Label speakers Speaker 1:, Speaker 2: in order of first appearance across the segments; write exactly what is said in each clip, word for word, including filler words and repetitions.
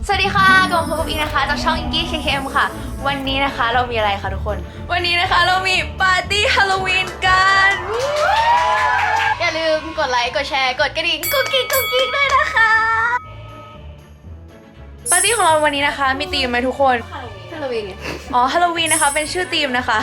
Speaker 1: สวัสดีค่ะกลับมาพบอีกนะคะจากช่องอิงกี้เคเคเอ็มค่ะวันนี้นะคะเรามีอะไรคะทุกคนวันนี้นะคะเรามีปาร์ตี้ฮาโลวีนกันอย่าลืมกดไลค์กดแชร์กดกระดิ่งกุ๊กกิ๊กกุ๊กกิ๊กด้วยนะคะปาร์ตี้ของเราวันนี้นะคะมีธีมไหมทุกคนฮาโลวีนอ๋อฮาโลวีนนะคะเป็นชื่อธีมนะคะ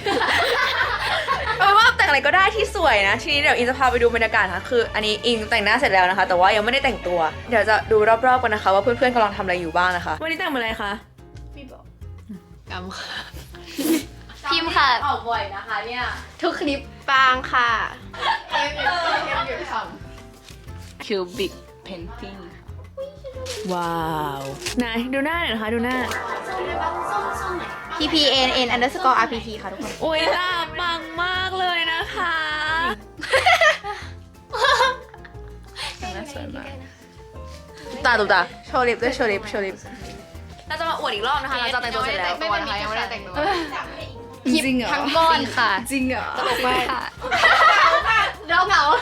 Speaker 1: เอาเป็นว่าแต่งอะไรก็ได้ที่สวยนะทีนี้เดี๋ยวอิงจะพาไปดูบรรยากาศค่ะคืออันนี้อิงแต่งหน้าเสร็จแล้วนะคะแต่ว่ายังไม่ได้แต่งตัวเดี๋ยวจะดูรอบๆกันนะคะว่าเพื่อนๆกำลังทำอะไรอยู่บ้างนะคะวันนี้แต่งเป็นอะไรคะไม่บอกกำค่ะพิมพ์ค่ะออกบ่อยนะคะเนี่ยทุกคลิปปางค่ะเอ็มเอ็มเอ็มอยู่ทำ
Speaker 2: Cubic Painting
Speaker 1: ว้าวไหนดูหน้าหน่อยนะคะดูหน้า
Speaker 3: P P N N underscore R P T ค่ะทุกคน
Speaker 1: โอ้ยหน้าปังมากเลยนะคะหน้าสวยมากตาตุตา
Speaker 3: โชว์ลิปด้วยโชว์ลิปโชว์ลิป
Speaker 1: เราจะมาอวดอีกรอบนะคะหลังจากแต่งตัวเสร็จแล้ว
Speaker 3: ไม่เป็นไรยังไม่ได้แต่งตัว
Speaker 2: จริงเหรอ
Speaker 3: ทั้งก้อนค่ะ
Speaker 2: จริงเหรอ
Speaker 3: ตลกมากเราเหงา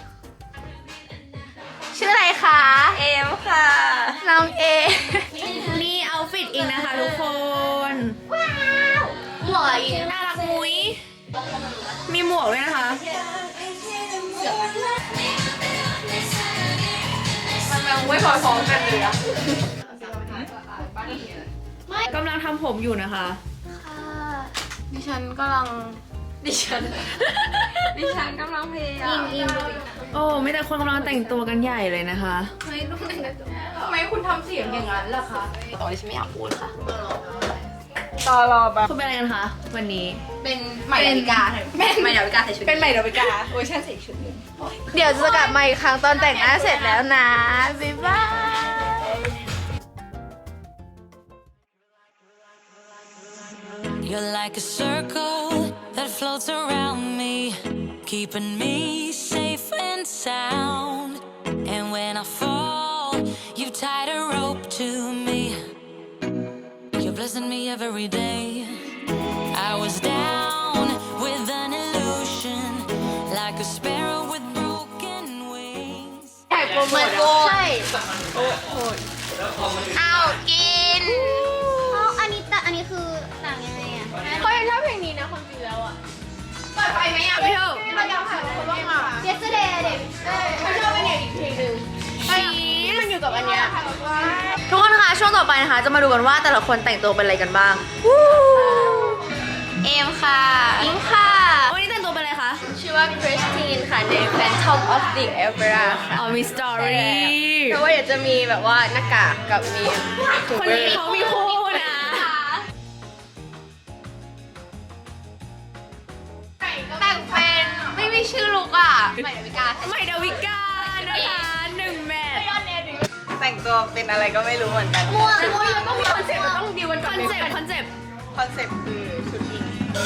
Speaker 3: ชื่ออะไรคะ
Speaker 1: เอมค่ะ
Speaker 3: น้องเอ
Speaker 1: นี่เอาฟิตอีกนะคะทุกคน
Speaker 3: หล่อย
Speaker 1: น่ารักมุ้ยมีหมวกด้วยนะคะมันไม่พอๆกันเลยอะกำลังทำผมอยู่นะคะ
Speaker 3: ดิฉันกำลัง
Speaker 1: ดิฉัน
Speaker 3: ดิฉันกำลังพยายามยิง
Speaker 1: โอ้ไม่แต่คนกำลังแต่งตัวกันใหญ่เลยนะคะ
Speaker 3: ทำไมคุณทำเสียงอย่างนั้นล่ะคะ
Speaker 1: ตอนนี้ฉันไม่อยากพูดค่ะ
Speaker 3: ตอรอแบบ
Speaker 1: คุณเป็นอะไรกันคะวันนี้
Speaker 3: เป็นใหม่ดาวิกาเป็น
Speaker 1: ไม่อยากไปการใส่ชุด
Speaker 3: เป็นใหม่ดาวิกาเวอร์ชันใส่ชุดนึงเดี๋ยวจะกลับมาอีกครั้งตอนแต่งหน้าเสร็จแล้วนะ บ๊ายบาย
Speaker 4: You're like a circle that floats around me, keeping me safe and sound. And when I fall, you tied a rope to me. You're blessing me every day. I was down with an illusion, like a sparrow with broken wings.
Speaker 3: ใช่โปรโมทใช่เอากินเอาอันนี้แต่อันนี้คือต่างยังไงอ่ะเขายังชอบเพลงนี้นะความจริงแล้วอ่ะเปิดไฟไหมอ่ะไม่ชอบเราอยากถ่ายคนบ้างอ่ะ Yesterday เด็กเขาชอบเป็นอีกเพลงหนึ่งที่มันอยู่กับอันเนี้ย
Speaker 1: ทุกคนคะช่วงต่อไปนะคะจะมาดูกันว่าแต่ละคนแต่งตัวเป็นอะไรกันบ้าง
Speaker 3: เอมค่ะ
Speaker 1: อิงค่ะวันนี้แต่งตัวเป็นอะไรคะ
Speaker 3: ชื่อว่าคริสตินค่ะใน Phantom of the Opera ค่ะ
Speaker 1: อ๋อมีสตอรี่
Speaker 3: เพราะว่าเดี๋ยวจะมีแบบว่าหน้ากากกับมีถุง
Speaker 1: คน
Speaker 3: มือ
Speaker 1: นี้เขามีคู่นะ
Speaker 3: แต่งเป็นไม่มีชื่อลูกอ่ะใหม่ดาวิกา
Speaker 1: ใหม่ดาวิกานะคะหนึ่งแมท
Speaker 2: แต่งตัวเป็นอะไรก็ไม่รู้เหมือนกัน
Speaker 3: มั่วมั่วยังต้องมีคอนเซ็ปต์ต้องดีวัน
Speaker 1: คอนเซ็ปต์คอนเซ็ปต์
Speaker 2: คอนเซ็ปต์คือชุดอิง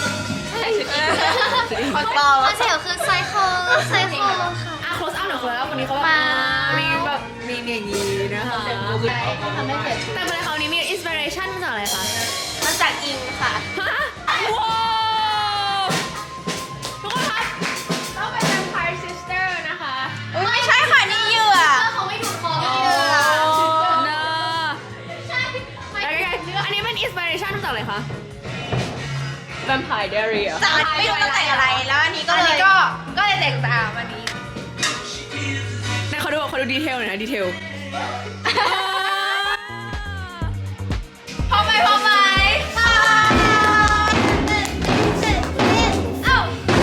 Speaker 3: คอนต่อคอนเซ็ปต์คือไซเคิลไซเคิลค่ะ
Speaker 1: อ่ะ close up หน่อยคนแล้วคนนี้เขาแบบ
Speaker 3: มา
Speaker 1: มีแบบมีอย่างนี้นะคะ
Speaker 3: ทำให้เกิด
Speaker 1: แต่เป็นอะไรเขานี้มีอินสปิเรชันมาจากอะไรคะ
Speaker 3: มาจากอิงค่ะ
Speaker 1: ฮะว้าวทุกคนคะ
Speaker 3: ต้องเป็น Vampire Sister นะคะไม่ใช่ค่ะนี่เหยื่อเขาไม่ถูกคอเหยื่อ
Speaker 1: นะ
Speaker 3: ใช่ไม่
Speaker 1: แล้วไงอันนี้เป็นอินสปิเรชันมาจากอะไรคะ
Speaker 2: Vampire Diary อ่ะ
Speaker 3: จากไม่รู้ต้องแต่งอะไรแล้วอันนี้ก็เลยก็ก็เลยแต่งตามอันนี้
Speaker 1: ไหนเขาดูเขาดูดีเทลหน่อยนะดีเทล
Speaker 3: พอไหมพอไหมเอ้า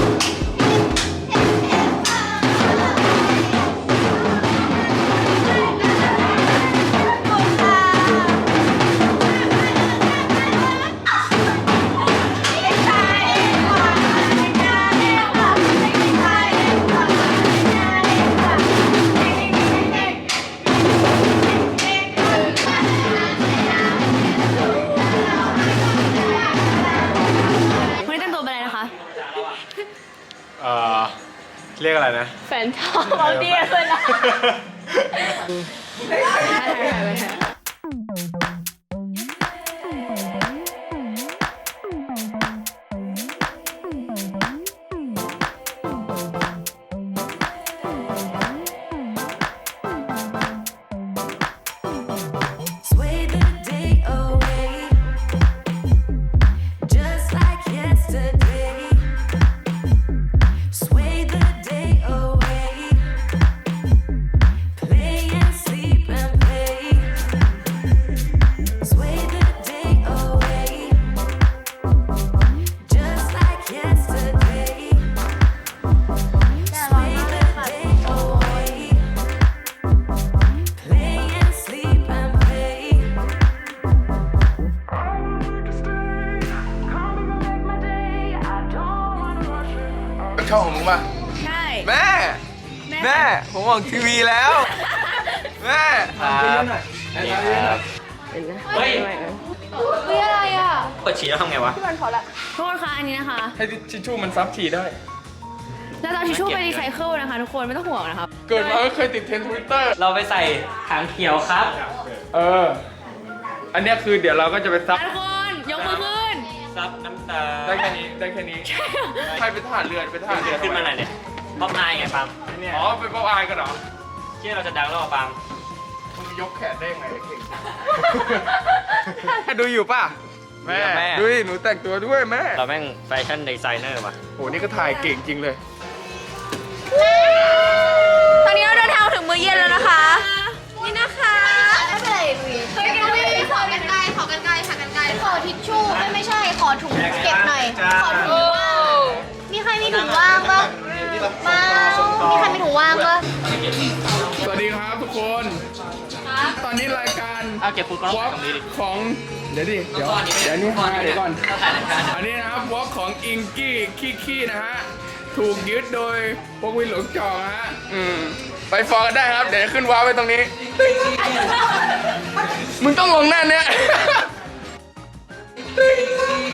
Speaker 1: วันนี้แต่งตัวเป็นอะไรนะคะ
Speaker 5: เอ่อเรียกอะไรนะ
Speaker 3: แฟนทอมเอาเดียเลยนะ
Speaker 4: Sway
Speaker 6: ช่องของมึงป่ะ
Speaker 1: ใช่
Speaker 6: แม่ แม่ ผมออกทีวีแล้ว แม่
Speaker 5: ครับครับ
Speaker 1: เฮ้ย
Speaker 3: เฮ้ยอะไรอ่ะ
Speaker 5: เปิดฉี่แล้วทำไงวะ
Speaker 1: โทษค่ะอันนี้นะคะ
Speaker 6: ให้ทิชชู่มันซับฉี่ได้
Speaker 1: แล้วเราทิชชู่ไปรีไซเคิลนะคะทุกคนไม่ต้องห่วงนะครับ
Speaker 6: เกิดมาไม่เคยติดเทรนด์ทวิตเตอร์
Speaker 5: เราไปใส่ถังเขียวครับ
Speaker 6: เออ อันเนี้ยคือเดี๋ยวเราก็จะไปซับ
Speaker 1: ทุกคนยกมือขึ้น
Speaker 5: ซับน้ำตา
Speaker 6: ได้แค่นี้ ได้แค่นี้ ใครเป็นทหารเรือเป็นทหารเรือ
Speaker 5: ขึ้นมาหน่อยเนี่ยป๊อปอายไงปัง
Speaker 6: อ๋อ เป็นป๊อปอายกันเหรอ
Speaker 5: เชื่อเราจะดังแล้วปัง
Speaker 6: มึงยกแขนได้ยังไงเก่ง ดูอยู่ป่ะ แม่
Speaker 5: แม่
Speaker 6: ดูดิหนูแต่งตัวด้วยแม่
Speaker 5: เราแม่งแฟชั่นดีไซเนอร์ว่ะ
Speaker 6: โห นี่ก็ถ่ายเก่งจริงเลย
Speaker 1: ตอนนี้เราเดินทางถึงมื้อเย็นแล้วนะคะ นี่นะคะ
Speaker 3: ไม่เป็นไรลุยเฮ้ยกันไม่ขอกันไกลขอกันไกลขอกันไกลขอทิชชู่ไม่ไม่ใช่ ขอถุงเก็บหน่อย ขอถุงว่างมีใครมีถุงว่างปะเปล่ามีใครมีถุงว่างปะ
Speaker 6: สวัสดีครับทุกคน ตอนนี้รายการ
Speaker 5: เอาเก็บฟูดกล้อง
Speaker 6: วอล์ก
Speaker 5: ตรงนี้ดิ
Speaker 6: ของ เดี๋ยวดิ เดี๋ยว เดี๋ยวนี่มาเดี๋ยวก่อน อันนี้นะครับวอล์กของอิงกี้ขี้ขี้นะฮะ ถูกยึดโดยพวกวินหลงจองฮะ อืม ไปฟอลกันได้ครับ เดี๋ยวขึ้นว้าวไว้ตรงนี้ มึงต้องลงหน้าเนี้ย